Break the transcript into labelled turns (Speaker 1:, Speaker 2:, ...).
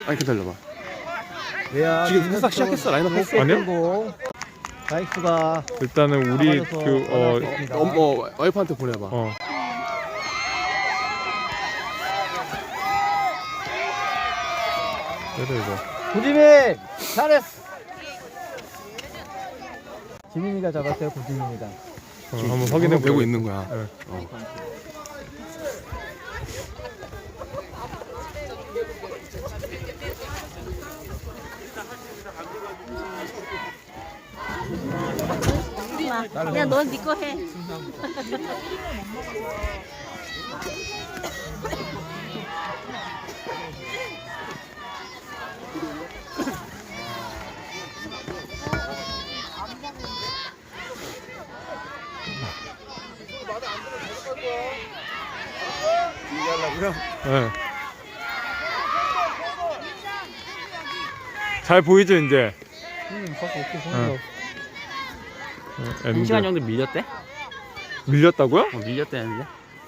Speaker 1: 아니 기다려봐.
Speaker 2: 왜야?
Speaker 1: 지금 살짝 시작했어. 라인업 했어.
Speaker 2: 아니요? 자익수가
Speaker 3: 일단은 우리
Speaker 1: 와이프한테 보내봐.
Speaker 3: 그래 이거.
Speaker 2: 고지민 잘했어. 지민이가 잡았어요. 고지민이가.
Speaker 3: 한번 확인해
Speaker 1: 되고 있는 거야.
Speaker 3: 네.
Speaker 4: 야, 넌 네 거 해.
Speaker 3: 네. 잘 보이죠 이제.
Speaker 5: 한 시간 정도 밀렸대?
Speaker 3: 밀렸다고요?
Speaker 5: 밀렸대는데?